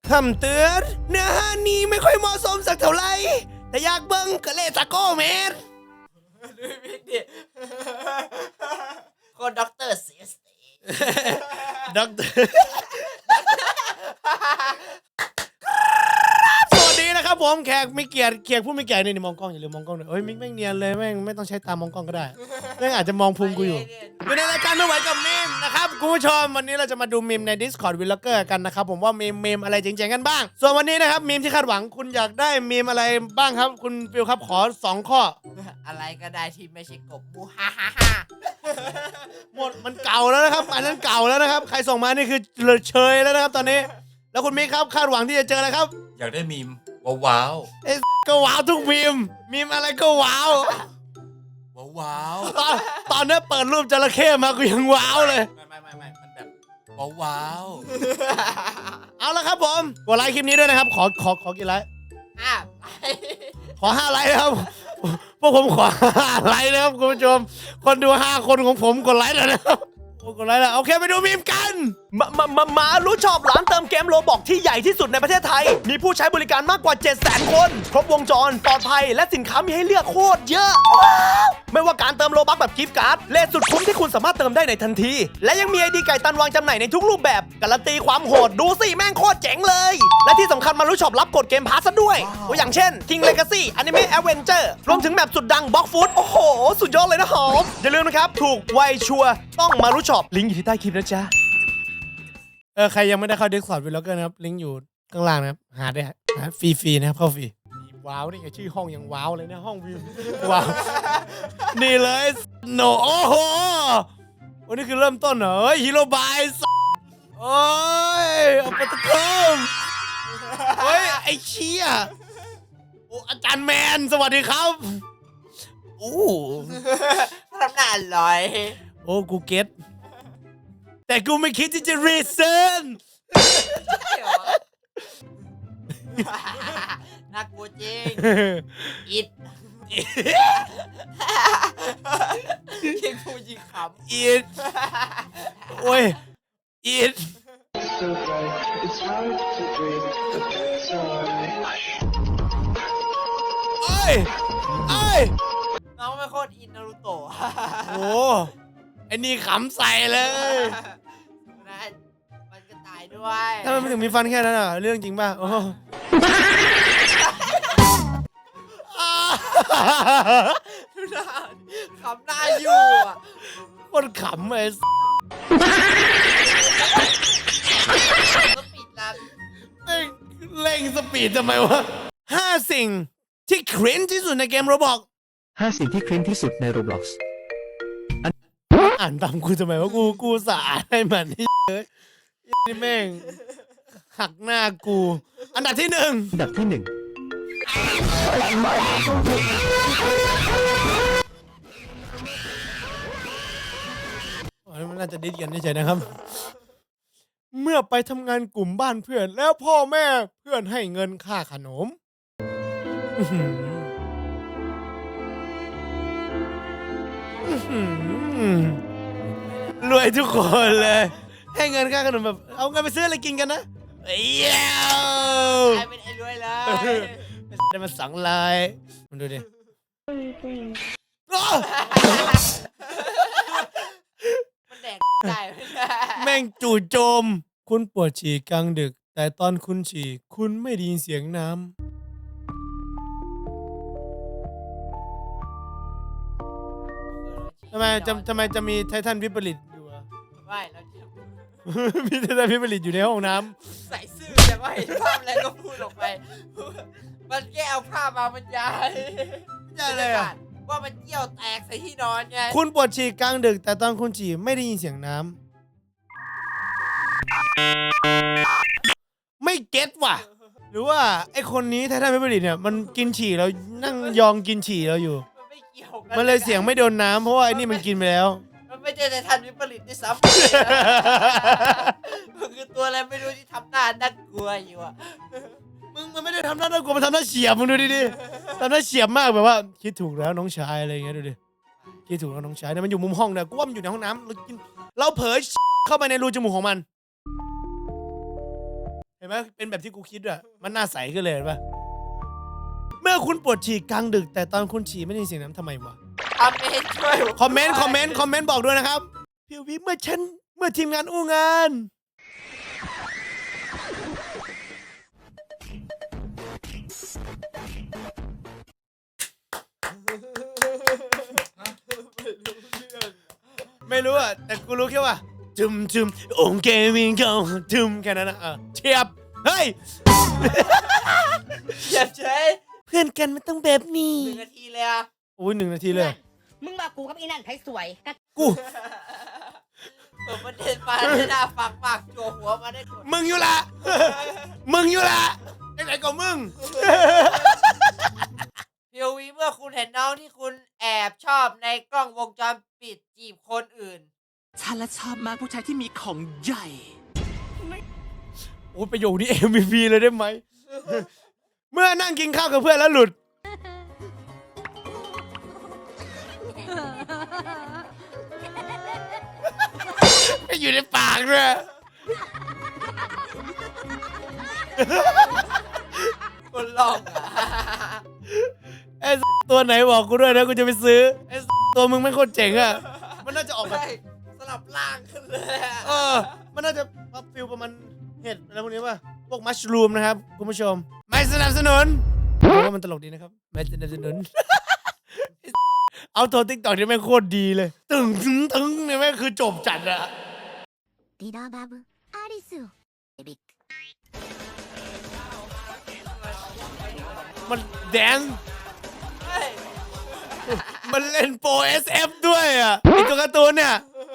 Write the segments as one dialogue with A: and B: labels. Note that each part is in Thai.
A: คำเตือนเนื้อหานี้ไม่ค่อยเหมาะสมสักเท่าไหร่แต่อยากเบิ้งก็เลยตะโก้แมน
B: ดูมิกดิคนด็อกเตอร์เสียสติ
A: ด็อกเตอร์สวัสดีนะครับผมแขกไม่เกียรติแขกผู้ไม่เกียรตินี่มองกล้องอย่าลืมมองกล้องหน่อยเอ้ยมิกแม่งเนียนเลยแม่งไม่ต้องใช้ตามองกล้องก็ได้แม่งอาจจะมองพุงกูอยู่ในรายการไม่ไหวกับมีมนะครับคุณผู้ชมวันนี้เราจะมาดูมีมใน Discord Vlogger กันนะครับผมว่ามีมอะไรจริงๆกันบ้างส่วนวันนี้นะครับมีมที่คาดหวังคุณอยากได้มีมอะไรบ้างครับคุณฟิลครับขอ2ข้อ
B: อะไรก็ได้ที่ไม่ใช่กบมูฮ่าฮ่าฮ่า
A: หมดมันเก่าแล้วนะครับอันนั้นเก่าแล้วนะครับใครส่งมานี่คือเลยเชยแล้วนะครับตอนนี้แล้วคุณมิกครับคาดหวังที่จะเจออะไรครับ
C: อยากได้มีมว้าว
A: ก็ว้าวทุกมีมอะไรก็ว้าว
C: ว้าว
A: ตอนนี้เปิดรูปจระเข้มากูยังว้าวเลย
C: ไม่มันแบบว้าว
A: เอาละครับผมกดไลค์คลิปนี้ด้วยนะครับขอกี่ไลค์ขอ5ไลค์นะครับพวกผมขอ5ไลค์นะครับคุณผู้ชมคนดู5คนของผมกดไลค์แล้วนะครับกดไลค์แล้วโอเคไปดูมีมกันมารู้ชอบร้านเติมเกมโรบอกที่ใหญ่ที่สุดในประเทศไทยมีผู้ใช้บริการมากกว่า 700,000 คนครบวงจรปลอดภัยและสินค้ามีให้เลือกโคตรเยอะไม่ว่าการเติมโลบัคแบบกิฟต์การ์ดเลทสุดคุ้มที่คุณสามารถเติมได้ในทันทีและยังมีไอดีไก่ตันวางจำหน่ายในทุกรูปแบบการันตีความโหดดูสิแม่งโคตรเจ๋งเลยและที่สำคัญมารู้ชอบรับกดเกมพาสซะด้วยตัวอย่างเช่น King Legacy Anime Adventure รวมถึงแบบสุดดัง Box Food โอ้โหสุดยอดเลยนะหอมอย่าลืมนะครับถูกไวชัวร์ต้องมารู้ชอบลิงก์อยู่ที่ใต้คลิปนะจ๊ะใครยังไม่ได้เข้า Discord Vlogger นะครับลิงก์อยู่ข้างล่างนะครับหาได้ฟรีนะครับเข้าฟรีว้าวนี่ไงชื่อห้องยังว้าวเลยนะห้องวิวว้าวนี่เลยโนโอ้โหวันนี้คือเริ่มต้นเหรอฮีโร่บายโอ้ยอัปตะคมเฮ้ยไอ้เชี่ยโอ้อาจารย์แมนสวัสดีครับโอ้
B: ทำหน้าอร่อย
A: โอ้กูเก็ตแต่กูไม่คิดที่จะรีเซิร์น
B: น่ากลัวจริงอิดยิงพูดยิงขำ
A: อิดโอ้ยอิดเอ้ย
B: น้องไม่โคตรอินนารูโตะ
A: โอ้ไอ้นี่ขำใส่เลย
B: มันก็ตายด้วย
A: ถ้ามันถึงมีฟันแค่นั้นอ่ะเรื่องจริงป่ะโอ้
B: ดูหน้าขำหน้าอยู่อ่ะ
A: คนขำไอ้
B: ก็ปิดร้าน
A: เร่งสปีดทำไมวะ5 สิ่งที่คริ้นที่สุดในเกมโรบอก
D: 5 สิ่งที่คริ้นที่สุดใน Roblox
A: อ่านตามกูทำไมว่ากูสาให้มันนี่นี่แม่งหักหน้ากูอันดับที่1มันน่าจะดิสกันเฉยๆนะครับเมื่อไปทำงานกลุ่มบ้านเพื่อนแล้วพ่อแม่เพื่อนให้เงินค่าขนมรวยทุกคนเลยให้เงินค่าขนมแบบเอาเงินไปซื้ออะไรกินกันนะเอ้ย
B: กลายเป็นไอ้รวยเลย
A: ได้มา2 ลายมันดูดิ
B: มันแดกได้
A: แม่งจู่โจมคุณปวดฉี่กลางดึกแต่ตอนคุณฉี่คุณไม่ได้ยินเสียงน้ำทำไมจะมีไททันวิปริตอยู่อะ
B: ไม่แล้ว
A: มีไททันวิปริตอยู่ในห้องน้
B: ำใส่ซื่อแต่ว่าเห็นภาพอะไรก็พูดออกไปมันแก้เอาภาพมาบรรยาย
A: เลยอะ
B: ว่ามันเกี่ยวแตกใส่ที่นอนไง
A: คุณปวดฉี่กลางดึกแต่ตอนคุณฉี่ไม่ได้ยินเสียงน้ำไม่เก็ตว่ะหรือว่าไอคนนี้ไททันวิปริตเนี่ยมันกินฉี่แล้วนั่งยองกินฉี่เราอยู่มันเลยเสียงไม่โดนน้ำเพราะว่าไอ้นี่มันกินไปแล้ว
B: มันไม่ใช่ไททันวิปริตที่ซ้ำมันคือตัวอะไรไม่รู้ที่ทำหน้าน่ากลัวอยู่อ่ะ
A: มึงมันไม่ได้ทำหน้าน่ากลัวมันทำหน้าเฉียบมึงดูดิทำหน้าเฉียบมากแบบว่าคิดถูกแล้วน้องชายอะไรอย่างเงี้ยดูดิคิดถูกแล้วน้องชายเนี่ยมันอยู่มุมห้องเนี่ยกูว่ามันอยู่ในห้องน้ำเราเผยเข้าไปในรูจมูกของมันเห็นไหมเป็นแบบที่กูคิดอะมันน่าใสขึ้นเลยเห็นปะเมื่อคุณปวดฉี่กลางดึก แต่ตอนคุณฉี่ไม่ได้ยินเสียงน้ำทำไมวะ
B: คอมเมนต์ช่วย
A: คอมเมนต์บอกด้วยนะครับพี่วิเมื่อทีมงานอู้งาน ไม่รู้อะแต่กูรู้แค่ว่าจุมองค์เกมิงเขาจุมแค่นั้นนะเทียบเฮ้ย
B: อย่าเฉย
A: เพื่อนกันมันต้องแบบนี้
B: 1 นาทีเลยอ่ะ
A: โอ้ย1 นาทีเลย
E: มึงบอกกูกับอีนั่นไผสวยก็
A: กู
B: เปิดประเด็นมาได้หน้าฝากจั่วหัวมาได้กด
A: มึงอยู่ละ มึงอยู่ละไหนๆก็มึง
B: พีโอวีเมื่อคุณเห็นน้องที่คุณแอบชอบในกล้องวงจรปิดจีบคนอื่น
F: ฉันและชอบมากผู้ชายที่มีของใหญ่
A: โอ้ยประโยคนี้ MVP เลยได้ไหม เมื่อนั่งกินข้าวกับเพื่อนแล้วหลุด ไม่อยู่ในปากด้วย
B: คนลองอ่ะ
A: ไอ้ตัวไหนบอกกูด้วยนะกูจะไปซื้อไอ้ตัวมึงไม่โคตรเจ๋งอ่ะ มันน่าจะออกแบบ
B: ใช่สลับล่างขึ้นเลยอะ
A: มันน่าจะฟิลประมาณเห็ดอะไรพวกนี้ป่ะ พวกมัชรูมนะครับคุณผู้ชม ไม่สนับสนุนผมว่ามันตลกดีนะครับ ไม่สนับสนุน เอาตัวติ๊กต็อกนี่แม่งโคตรดีเลย ตึงเนี่ยแม่งคือจบจัดอะ
E: ディラバブアリスをエビック
A: มันแดนซ์
B: เฮ้ย
A: มันเล่นโปร SF ด้วยอ่ะไอตัวการ์ตูนเนี่ย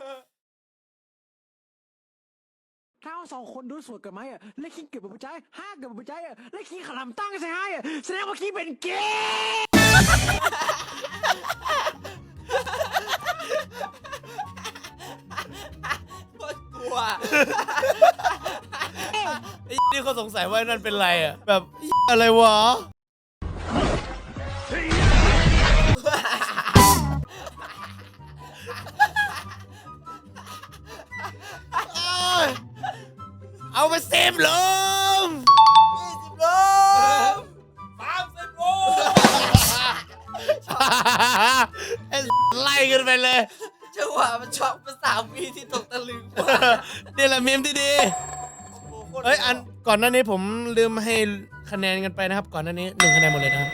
F: ถ้าสองคนดูสวยกันไหมอ่ะและคิงเก็บกับผู้ชายห้าเก็บกับผู้ชายอ่ะและคิงขลำตั้งใส่ให้อ่ะแสดงว่าคิงเป็นเกย์
B: โคตรกลัว
A: ไอ้นี่เขาสงสัยว่านั่นเป็นไรอ่ะ แบบอะไรวะ เอาไปเซฟลม
B: 20 โล30 โล
A: ไอ้ไล่กันไปเลย
B: จังหวะมันช็อกเป็น3 วิที่ตกตะลึงมาก
A: นี่แหละเมมที่ดี
B: โอ้โหโคตร
A: เอ้ยอันก่อนหน้านี้ผมลืมให้คะแนนกันไปนะครับ ก่อนหน้านี้1 คะแนนหมดเลยนะครับ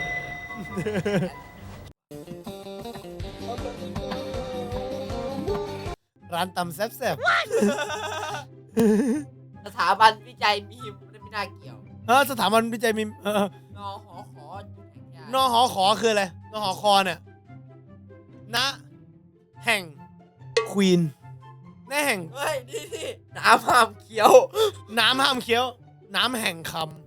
A: ร้านตำแซ่บ
B: สถาบันวิจัยมีมไม่น่าเกี่ยว
A: ๆสถาบันวิจัยมี
B: นอหอขอจุดแข็งยาน
A: หอขอคืออะไรนหอคอเนี่ยณแห่งควีนณแห่ง
B: เฮ้ยนี่น้ำห้ามเขียว
A: น้ำห้ามเคี้ยว น้ำแห่งคำ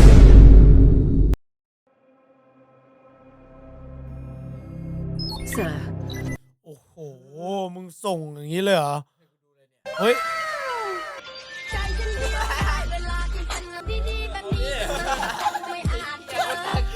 A: โอ้โห มึงส่งอย่างนี้เลยเหรอ เฮ้ย
E: ใจฉันรู้เวลาที่เป็นดีๆแบบนี้ไม่อาจเจอ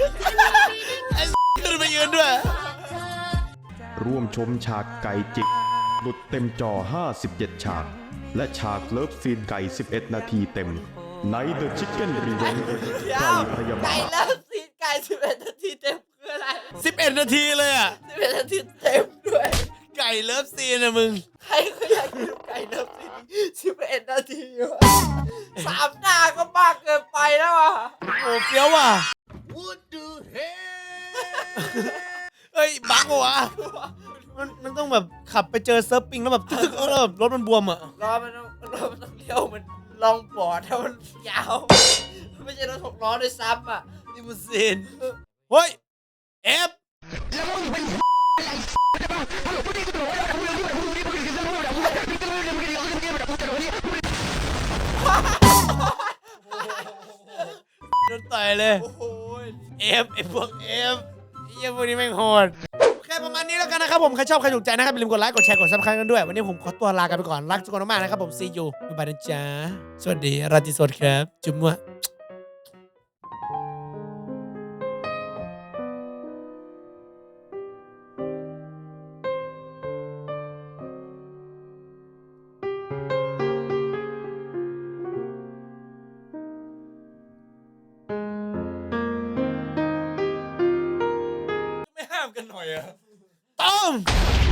A: ขึ้นไปยืนด้วย
E: เธอ
G: ร่วมชมฉากไก่จิก หลุดเต็มจอ 57 ฉาก และฉากเลิฟซีนไก่ 11 นาทีเต็ม ใน The Chicken Revenge ไก่พยาบา
B: ไก่
G: ล
B: แล้วซีนไก่11 นาทีเต็มคืออะไร
A: 11 นาทีเลยอ่ะ
B: 11 นาทีเต็มด้วย
A: ไก่เลิฟซีนนะมึง
B: ใครก็อยากดูไก่เลิฟซีน11 นาทีวะ3 หน้าก็มากเกินไปแล้วอ่ะ
A: โอ้เฟี้ยวว่ะเฮ้ย บักวะมันต้องแบบขับไปเจอเซิร์ฟปิงแล้วแบบตึกแล้วแบบรถมันบวมอ่ะ
B: รอมันต้องเลี้ยวมันลองบอร์ดถ้ามันยาวไม่ใช่รถ6 ล้อด้วยซ้ำอ่ะ
A: ลิมูซีน เฮ้ย เอฟ โดนต่อยเลย
B: โอ้โห
A: เอฟไอพวกเอฟไอ้เหี้ยพวกนี้แม่งโหดโอเคประมาณนี้แล้วกันนะครับผม ใครชอบใครถูกใจนะครับอย่าลืมกดไลค์ กดแชร์ กดซับสไครต์กันด้วย วันนี้ผมขอตัวลากันไปก่อน รักทุกคนมากๆนะครับผม see you บ๊ายบายนะจ๊ะ สวัสดีราตรีสวัสดิ์ครับ จุ๊บมั่ว
C: ห้ามกันหน่อยอะ
A: ต้ม